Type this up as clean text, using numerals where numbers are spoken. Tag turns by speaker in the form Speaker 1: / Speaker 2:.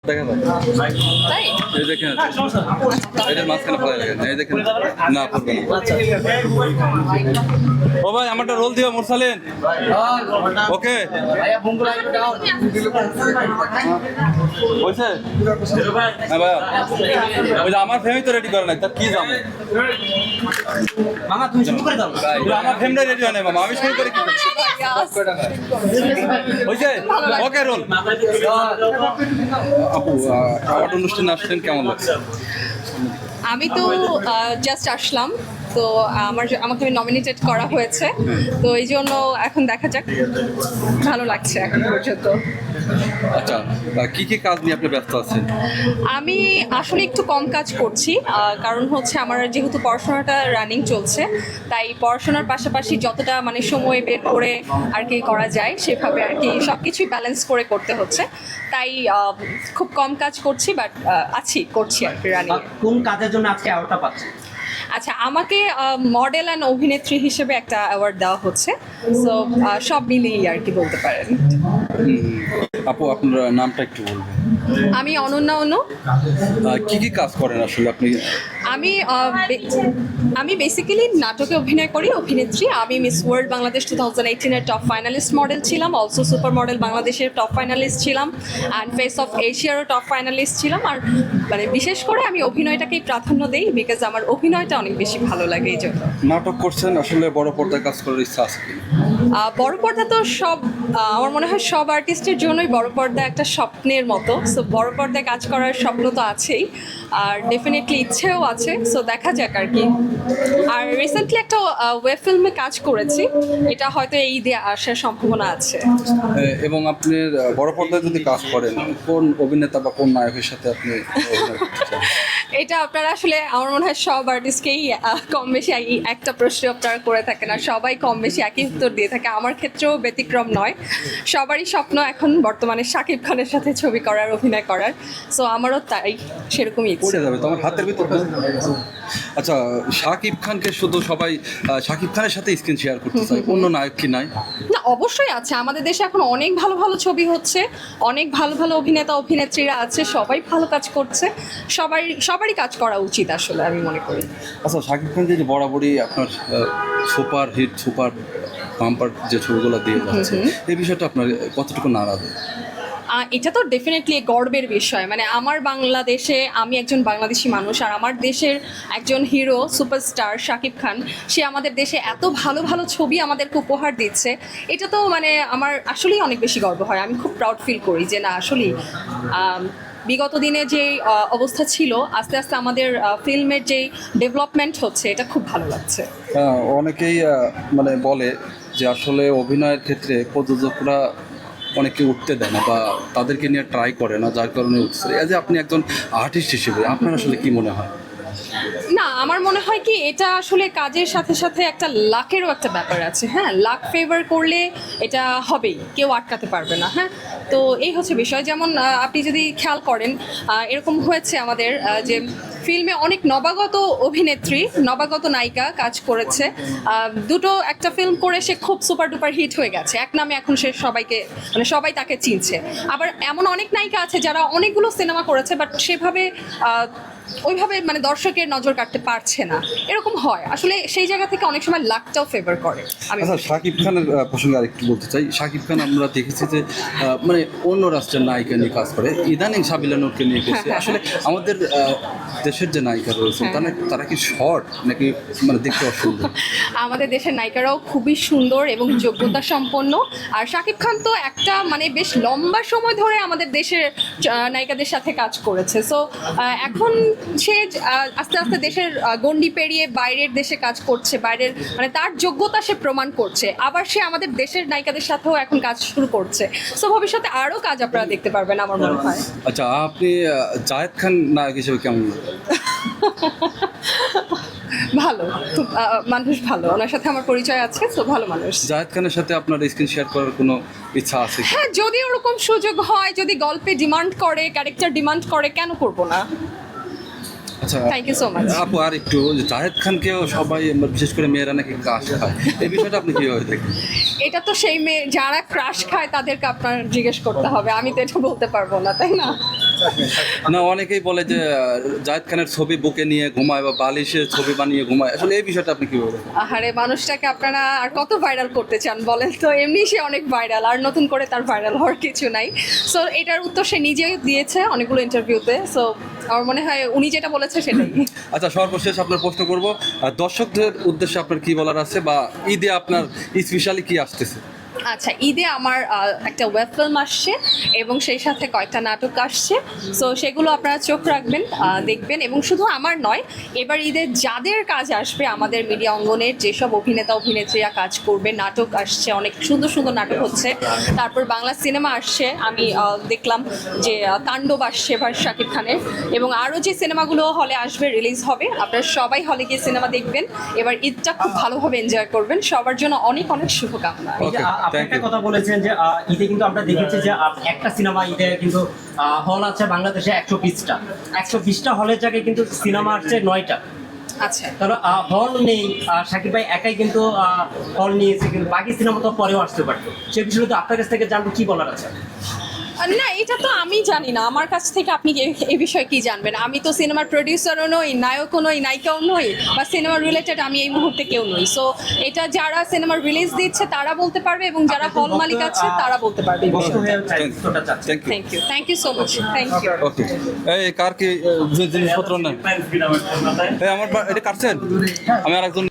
Speaker 1: দেখেন
Speaker 2: তাই
Speaker 1: এই দেখেন এটার মাঝখানে ফেলাই লাগেন এই দেখেন না পড়বে না। ও ভাই আমারটা রোল দিও মুরসালিন ওকে হয়েছে হ্যাঁ ভাইয়া ওই যে আমার ফ্যামিলি তো রেডি করে নাই তার কি জানো
Speaker 3: মামা তুমি শুরু করে দাও
Speaker 1: আমার ফ্যামিলি রেডি হয় নাই মামা আমি শুরু করে কি হয়েছে ওকে রোল আপু আমার অনুষ্ঠানে আসছেন কেমন লাগছে?
Speaker 2: আমি তো জাস্ট আসলাম তো আমাকে নমিনেটেড করা হয়েছে তো এই জন্য এখন দেখা যাক ভালো লাগছে এখন পর্যন্ত।
Speaker 1: আচ্ছা কি কি কাজ নিয়ে আপনি ব্যস্ত আছেন?
Speaker 2: আমি আসলে একটু কম কাজ করছি কারণ হচ্ছে আমার যেহেতু পড়াশোনাটা রানিং চলছে তাই পড়াশোনার পাশাপাশি যতটা মানে সময় বের করে আর কি করা যায় সেভাবে আর কি সব কিছুই ব্যালেন্স করে করতে হচ্ছে তাই খুব কম কাজ করছি বাট করছি আর কি রানিং।
Speaker 3: কোন কাজের জন্য আজকে অ্যাওয়ার্ডটা পাচ্ছেন?
Speaker 2: আচ্ছা আমাকে মডেল অ্যান্ড অভিনেত্রী হিসেবে একটা অ্যাওয়ার্ড দেওয়া হচ্ছে সো সব মিলিয়ে আর কি বলতে পারেন।
Speaker 1: আপু আপনার নামটা একটু বলবেন।
Speaker 2: আমি অনন্যা অনু।
Speaker 1: কি কি কাজ করেন আসলে আপনি?
Speaker 2: আমি বেসিক্যালি নাটকে অভিনয় করি, অভিনেত্রী। আমি মিস ওয়ার্ল্ড বাংলাদেশ 2018-এর টপ ফাইনালিস্ট মডেল ছিলাম, অলসো সুপার মডেল বাংলাদেশের টপ ফাইনালিস্ট ছিলাম অ্যান্ড ফেস অফ এশিয়ারও টপ ফাইনালিস্ট ছিলাম। আর মানে বিশেষ করে আমি অভিনয়টাকেই প্রাধান্য দিই বিকজ আমার অভিনয়টা অনেক বেশি ভালো লাগে এই জন্য।
Speaker 1: নাটক করছেন আসলে বড় পর্দায় কাজ করার ইচ্ছা আছে কি?
Speaker 2: বড় পর্দা তো আমার মনে হয় সব আর্টিস্টের জন্যই বড় পর্দা একটা স্বপ্নের মতো। সো বড় পর্দায় কাজ করার স্বপ্ন তো আছেই আর ডেফিনেটলি ইচ্ছেও আছে। সো দেখা যাক আর কি। আর রিসেন্টলি একটা ওয়েব ফিল্মে কাজ করেছি, এটা হয়তো এই দিয়ে আসার সম্ভাবনা আছে।
Speaker 1: এবং আপনি বড় পর্দায় যদি কাজ করেন কোন অভিনেতা বা কোন নায়কের সাথে আপনি অভিনয় করতে চান?
Speaker 2: এটা আপনারা আসলে আমার মনে হয় সব আর্টিস্টকেই কম বেশি একটা প্রশ্ন আপনারা করে থাকেন আর সবাই কম বেশি একই উত্তর দিয়ে থাকে। আমার ক্ষেত্রেও ব্যতিক্রম নয়, সবারই স্বপ্ন এখন বর্তমানে শাকিব খানের সাথে ছবি করার, অভিনয় করার। সো আমারও তাই সেরকমই ইচ্ছে।
Speaker 1: পড়ে যাবে তোমার হাতের ভিতর। আচ্ছা শাকিব খানকে শুধু সবাই শাকিব খানের সাথে স্ক্রিন শেয়ার করতে চায়, অন্য নায়ক কি নাই?
Speaker 2: না অবশ্যই আছে, আমাদের দেশে এখন অনেক ভালো ভালো ছবি হচ্ছে, অনেক ভালো ভালো অভিনেতা অভিনেত্রীরা আছে, সবাই ভালো কাজ করছে, সবারই কাজ করা উচিত আসলে আমি মনে করি।
Speaker 1: আচ্ছা শাকিব খান যে বরাবরই আপনার সুপার হিট সুপার বাম্পার যে ছবিগুলো দিয়ে যাচ্ছে এই বিষয়টা আপনার কতটুকু নাড়াবে?
Speaker 2: এটা তো ডেফিনেটলি গর্বের বিষয়। মানে আমার বাংলাদেশে, আমি একজন বাংলাদেশি মানুষ আর আমার দেশের একজন হিরো সুপারস্টার শাকিব খান, সে আমাদের দেশে এত ভালো ভালো ছবি আমাদেরকে উপহার দিচ্ছে, এটা তো মানে আমার আসলেই অনেক বেশি গর্ব হয়। আমি খুব প্রাউড ফিল করি যে না আসলেই বিগত দিনে যে অবস্থা ছিল আস্তে আস্তে আমাদের ফিল্মের যেই ডেভেলপমেন্ট হচ্ছে এটা খুব ভালো লাগছে।
Speaker 1: অনেকেই মানে বলে যে আসলে অভিনয়ের ক্ষেত্রে প্রযোজকরা অনেকে উঠতে দেয় না বা তাদেরকে নিয়ে ট্রাই করে না, যার কারণে উঠছে। এই যে আপনি একজন আর্টিস্ট হিসেবে আপনার আসলে কি মনে হয়?
Speaker 2: না আমার মনে হয় কি এটা আসলে কাজের সাথে সাথে একটা লাকেরও একটা ব্যাপার আছে। হ্যাঁ, লাক ফেভার করলে এটা হবেই, কেউ আটকাতে পারবে না। হ্যাঁ, তো এই হচ্ছে বিষয়। যেমন আপনি যদি খেয়াল করেন এরকম হয়েছে আমাদের যে ফিল্মে অনেক নবাগত অভিনেত্রী, নবাগত নায়িকা কাজ করেছে, দুটো একটা ফিল্ম করে সে খুব সুপার ডুপার হিট হয়ে গেছে, এক নামে এখন সে সবাই তাকে চিনছে। আবার এমন অনেক নায়িকা আছে যারা অনেকগুলো সিনেমা করেছে বাট সেভাবে ওইভাবে মানে দর্শকের নজর কাটতে পারছে না, এরকম হয় আসলে। সেই জায়গা থেকে অনেক সময় লাকটাও ফেভার করে।
Speaker 1: আচ্ছা শাকিব খানের প্রসঙ্গে আরেকটু বলতে চাই। শাকিব খান আমরা দেখেছি যে মানে অন্য রাষ্ট্রের নায়িকা নিয়ে কাজ করে, ইদানিং সাবিলা নূরকে নিয়ে গেছে। আসলে আমাদের দেশের যে নায়িকা রয়েছে তারা কি শর্ট নাকি মানে দেখতে অসুন্দর?
Speaker 2: আমাদের দেশের নায়িকারাও খুবই সুন্দর এবং যোগ্যতা সম্পন্ন। আর শাকিব খান তো একটা মানে বেশ লম্বা সময় ধরে আমাদের দেশের নায়িকাদের সাথে কাজ করেছে। সো এখন সে আস্তে আস্তে দেশের গণ্ডি পেরিয়ে বাইরের দেশে কাজ করছে, বাইরের মানে তার যোগ্যতা সে প্রমাণ করছে। আবার সে আমাদের দেশের নায়িকাদের সাথেও এখন কাজ শুরু করছে। সো ভবিষ্যতে আরও কাজ আপনারা দেখতে পারবেন আমার মনে হয়।
Speaker 1: আচ্ছা আপনি জায়েদ খান নায়ক হিসেবে কেমন?
Speaker 2: ভালো, খুব মানুষ ভালো, ওনার সাথে আমার পরিচয় আছে। তো ভালো মানুষ।
Speaker 1: জায়েদ খানের সাথে আপনার স্ক্রিন শেয়ার করার কোনো ইচ্ছা আছে?
Speaker 2: হ্যাঁ, যদি ওরকম সুযোগ হয়, যদি গল্পে ডিমান্ড করে, ক্যারেক্টার ডিমান্ড করে, কেন করবো না।
Speaker 1: আচ্ছা
Speaker 2: থ্যাংক ইউ সো মাচ।
Speaker 1: আপু আর একটু জাহেদ খানকেও সবাই বিশেষ করে মেয়েরা নাকি ক্রাশ খায়, এই বিষয়টা আপনি কীভাবে দেখেন?
Speaker 2: এটা তো সেই মেয়ে যারা ক্রাশ খায় তাদেরকে আপনার জিজ্ঞেস করতে হবে, আমি তো এটা বলতে পারবো না, তাই না?
Speaker 1: না, অনেকেই বলে যে জায়েদ খানের ছবি বুকে নিয়ে ঘুমায় বা বালিশে ছবি বানিয়ে ঘুমায়, আসলে এই বিষয়টা আপনি কিভাবে দেখেন?
Speaker 2: আহারে, মানুষটাকে আপনারা আর কত ভাইরাল করতে চান বলেন তো? এমনি সে অনেক ভাইরাল, আর নতুন করে তার ভাইরাল হওয়ার কিছু নাই। সো এটার উত্তর সে নিজেই দিয়েছে অনেকগুলো ইন্টারভিউতে। সো আমার মনে হয় উনি যেটা বলেছে সেটাই।
Speaker 1: আচ্ছা, সর্বশেষ আপনার প্রশ্ন করব, দর্শকদের উদ্দেশ্যে আপনার কি বলার আছে বা ঈদে আপনার স্পেশালি কি আসতেছে?
Speaker 2: আচ্ছা, ঈদে আমার একটা ওয়েব ফিল্ম আসছে এবং সেই সাথে কয়েকটা নাটক আসছে। সো সেগুলো আপনারা চোখ রাখবেন, দেখবেন। এবং শুধু আমার নয়, এবার ঈদে যাদের কাজ আসবে আমাদের মিডিয়া অঙ্গনের যেসব অভিনেতা অভিনেত্রীরা কাজ করবে, নাটক আসছে, অনেক সুন্দর সুন্দর নাটক হচ্ছে। তারপর বাংলা সিনেমা আসছে, আমি দেখলাম যে তাণ্ডব আসছে এবার শাকিব খানের, এবং আরও যে সিনেমাগুলো হলে আসবে, রিলিজ হবে, আপনারা সবাই হলে গিয়ে সিনেমা দেখবেন। এবার ঈদটা খুব ভালোভাবে এনজয় করবেন। সবার জন্য অনেক অনেক শুভকামনা।
Speaker 3: এই যে
Speaker 1: Okay,
Speaker 3: আপনি
Speaker 1: thank
Speaker 3: একটা
Speaker 1: you.
Speaker 3: কথা বলেছেন যে ঈদে কিন্তু আমরা দেখেছি যে একটা সিনেমা ঈদে কিন্তু হল আছে বাংলাদেশে 120টা, 120টা হলের জায়গায় কিন্তু সিনেমা আসছে 9টা।
Speaker 2: আচ্ছা,
Speaker 3: তাহলে হল নেই, শাকিব ভাই একাই কিন্তু হল নিয়েছে, কিন্তু বাকি সিনেমা তো পরেও আসতে পারতো। সে বিষয়ে তো আপনার কাছ থেকে জানবো কি বলার আছে।
Speaker 2: না, এটা তো আমি জানি না, আমার কাছ থেকে আপনি এই বিষয়ে কি জানবেন? আমি তো সিনেমার প্রডিউসারও নই, নায়কও নই, নায়িকাও নই, বা সিনেমা রিলেটেড আমি এই মুহূর্তে কেউ নই। সো এটা যারা সিনেমার রিলিজ দিচ্ছে তারা বলতে পারবে, এবং যারা হল মালিক আছে তারা বলতে পারবে এই
Speaker 3: বক্তব্য
Speaker 2: বিষয়টা।
Speaker 3: হয়ে উত্তরটা চাচ্ছি।
Speaker 1: Thank you.
Speaker 2: Thank you so much, thank you.
Speaker 1: Okay, এই কার কি জিনিসপত্র নেন? এই আমার এটা কাটছেন? আমি আরেকজন